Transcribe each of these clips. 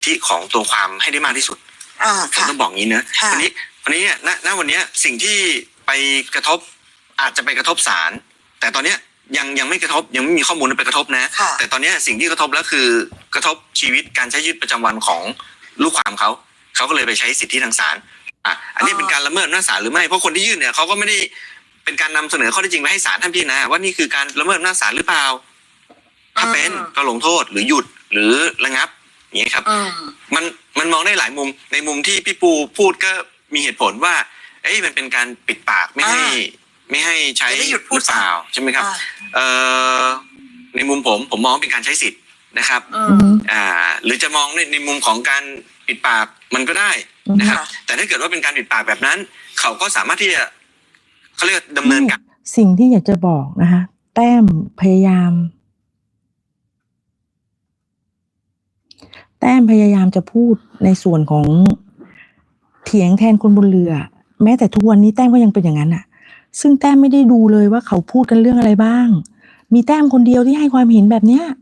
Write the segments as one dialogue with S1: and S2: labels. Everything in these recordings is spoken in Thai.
S1: ที่ของตัวความให้ได้มากที่สุดผมต้องบอกงี้นะวันนี้เนี่ยณวันนี้สิ่งที่ไปกระทบอาจจะไปกระทบศาลแต่ตอนเนี้ยยังไม่กระทบยังไม่มีข้อมูลไปกระทบนะแต่ตอนนี้สิ่งที่กระทบแล้วคือกระทบชีวิตการใช้ชีวิตประจำวันของลูกความเขาก็เลยไปใช้สิทธิทางศาลอันนี้เป็นการละเมิดอำนาจศาลหรือไม่เพราะคนที่ยื่นเนี่ยเขาก็ไม่ได้เป็นการนำเสนอข้อเท็จจริงไปให้ศาลท่านพิจารณาว่านี่คือการละเมิดอำนาจศาลหรือเปล่าถ้าเป็นก็ลงโทษหรือหยุดหรือระงับอย่างนี้ครับมันมองได้หลายมุมในมุมที่พี่ปูพูดก็มีเหตุผลว่ามันเป็นการปิดปากไม่ให้ใช้หยุดพูดเปล่าใช่ไหมครับในมุมผมมองเป็นการใช้สิทธิ์นะครับหรือจะมองในมุมของการปิดปากมันก็ได้นะครับแต่ถ้าเกิดว่าเป็นการปิดปากแบบนั้นเขาก็สามารถที่จะเขาเรียกดำเนินการ
S2: สิ่งที่อยากจะบอกนะคะแต้มพยายามจะพูดในส่วนของเถียงแทนคนบนเรือแม้แต่ทุกวันนี้แต้มก็ยังเป็นอย่างนั้นอ่ะซึ่งแต้มไม่ได้ดูเลยว่าเขาพูดกันเรื่องอะไรบ้างมีแต้มคนเดียวที่ให้ความเห็นแบบเนี้ย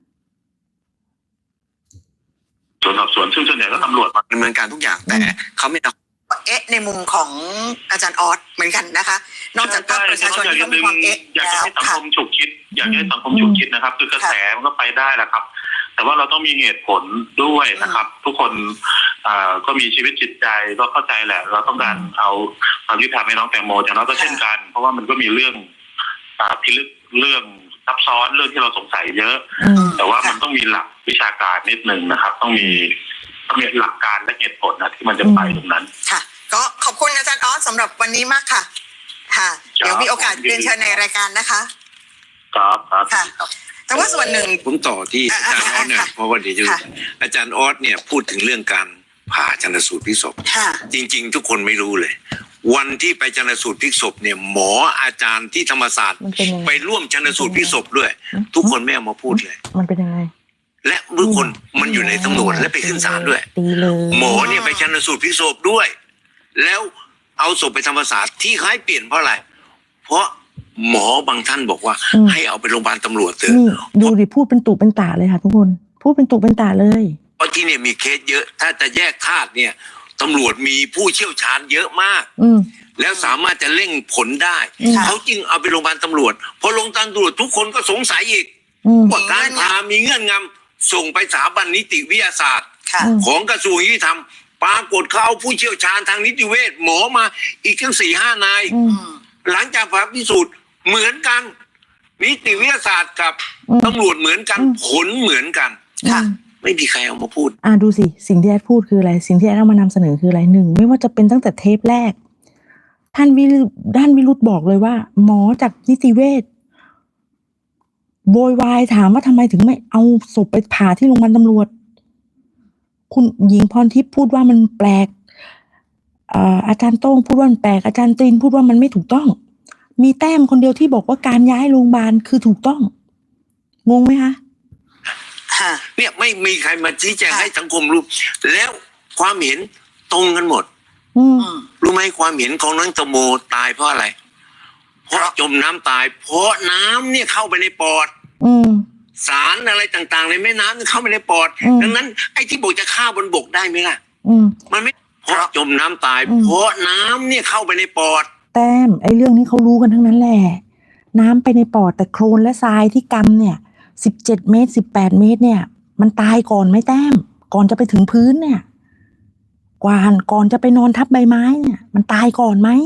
S1: ส่วนสอบสวนซึ่งส่วนใหญ่ก็ตำรวจมาดำเนินการทุกอย่างแต่เขาไม่
S3: ในมุมของอาจารย์ออสเหมือนกันนะคะนอกจากภาคประชาชนที่เขามีความ
S1: อยากให้สังคมฉุกคิดอยากให้สังคมฉุกคิดนะครับคือกระแสมันก็ไปได้แหละครับแต่ว่าเราต้องมีเหตุผลด้วยนะครับทุกคนก็มีชีวิตจิตใจก็เข้าใจแหละเราต้องการเอาความยุติธรรมให้น้องแตงโมแต่เราก็เช่นกันเพราะว่ามันก็มีเรื่องพิลึกเรื่องซับซ้อนเรื่องที่เราสงสัยเยอะแต่ว่ามันต้องมีหลักวิชาการนิดนึงนะครับต้องมีหลักการและเหตุผลนะที่มันจะไปตรงนั้น
S3: ค่ะก็ขอบคุณอาจารย์ออสสำหรับวันนี้มากค่ะค่ะเดี๋ยวมีโอกาสเรียนเชิญในรายการนะคะ
S1: ครับ
S3: ค่ะแต่ว่าส่วนหนึ่ง
S4: ผมต่อที่อาจารย์ออสเนี่ยเพราะว่าเดี๋ยวอาจารย์ออสเนี่ยพูดถึงเรื่องการผ่าชันสูตรพลิกศพจริงๆทุกคนไม่รู้เลยวันที่ไปชันสูตรพลิกศพเนี่ยหมออาจารย์ที่ธรรมศาสตร์ไปร่วมชันสูตรพลิกศพด้วยทุกคนไม่เอามาพูดเลย
S2: มันเป็นยังไง
S4: และทุกคนมันอยู่ในตำรวจและไปขึ้นศาลด้วยหมอเนี่ยไปชันสูตรพลิกศพด้วยแล้วเอาศพไปธรรมศาสตร์ที่ให้เปลี่ยนเพราะอะไรเพราะหมอบางท่านบอกว่าให้เอาไปโรงพยาบาลตำรวจเถอะ
S2: ดูดิพูดเป็นตุเป็นตาเลยค่ะทุกคนพูดเป็นตุเป็นตาเลย
S4: เพราะที่เนี่ยมีเคสเยอะถ้าจะแยกธาตุเนี่ยตำรวจมีผู้เชี่ยวชาญเยอะมากแล้วสามารถจะเร่งผลได้เขาจึงเอาไปโรงพยาบาลตำรวจพอลงตำรวจทุกคนก็สงสัยอีกว่าการผ่ามีเงื่อนงำส่งไปสถาบันนิติวิทยาศาสตร์ของกระทรวงยุติธรรมปรากฏเขาเอาผู้เชี่ยวชาญทางนิติเวชหมอมาอีกทั้ง 4-5 นายหลังจากผ่าพิสูจน์เหมือนกันนิติวิทยาศาสตร์กับตำรวจเหมือนกันผลเหมือนกันไม่มีใครเอามาพูด
S2: ดูสิสิ่งที่แอดพูดคืออะไรสิ่งที่แอดเอามานำเสนอคืออะไรหนึ่งไม่ว่าจะเป็นตั้งแต่เทปแรกท่านด้านวิรุธบอกเลยว่าหมอจากนิติเวชโวยวายถามว่าทำไมถึงไม่เอาศพไปผ่าที่โรงพยาบาลตำรวจคุณหญิงพรทิพย์พูดว่ามันแปลกอาจารย์โต้งพูดว่ามันแปลกอาจารย์ตีนพูดว่ามันไม่ถูกต้องมีแต้มคนเดียวที่บอกว่าการย้ายโรงพยาบาลคือถูกต้องงงไหมคะ
S4: เนี่ยไม่มีใครมาชี้แจงให้สังคมรู้แล้วความเห็นตรงกันหมดรู้ไหมความเห็นของน้องแตงโมตายเพราะอะไรเพราะจมน้ำตายเพราะน้ำเนี่ยเข้าไปในปอดสารอะไรต่างๆในแม่น้ำเข้าไปในปอดดังนั้นไอ้ที่บอกจะฆ่าบนบกได้ไหมล่ะมันไม่เพราะจมน้ำตายเพราะน้ำเนี่ยเข้าไปในปอด
S2: แต้มไอ้เรื่องนี้เขารู้กันทั้งนั้นแหละน้ำไปในปอดแต่โคลนและทรายที่กำเนี่ย17 เมตร18 เมตรเนี่ยมันตายก่อนไหมแต้มก่อนจะไปถึงพื้นเนี่ยก่อนจะไปนอนทับใบไม้เนี่ยมันตายก่อนไหม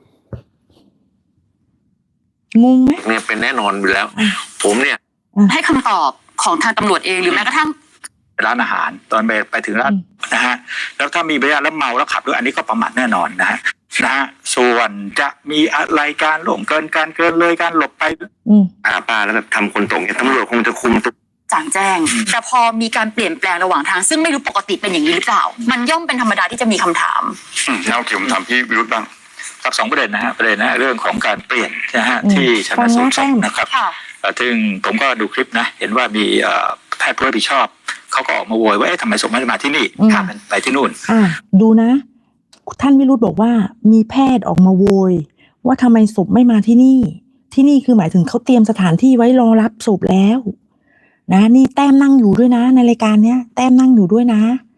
S2: งงไหม
S4: เนี่ยเป็นแน่นอนอยู่แล้วผมเนี่ย
S5: ให้คำตอบของทางตำรวจเองหรือแม้กระทั่ง
S6: ร้านอาหารตอนไปถึงร้านนะฮะแล้วถ้ามีใบอนุญาตแล้วเมาแล้วขับด้วยอันนี้ก็ประมาทแน่นอนนะฮะส่วนจะมีอะไรการล่วงเกินการเกินเลยการหลบไป
S1: ป้าแล้วแบบทำคนตรงเนี่ยตำรวจคงจะคุมตัว
S5: จางแจ้งแต่พอมีการเปลี่ยนแปลงระหว่างทางซึ่งไม่รู้ปกติเป็นอย่างนี้หรือเปล่ามันย่อมเป็นธรรมดาที่จะมีคำถาม
S1: แล้วผมถามพี่วิรุธบ้าง
S6: ครับ2 ประเด็นนะฮะเรื่องของการเปลี่ยนนะฮะที่ชันสูตรศพนะครับซึ่งผมก็ดูคลิปนะเห็นว่ามีแพทย์ผู้รับผิดชอบเขาก็ออกมาโวยว่าทำไมศพไม่ได้มาที่นี่ไปที่นู่น
S2: ดูนะท่านวิรุธบอกว่ามีแพทย์ออกมาโวยว่าทำไมศพไม่มาที่นี่คือหมายถึงเขาเตรียมสถานที่ไว้รอรับศพแล้วนะนี่แต้มนั่งอยู่ด้วยนะในรายการเนี้ยแต้มนั่งอยู่ด้วยนะ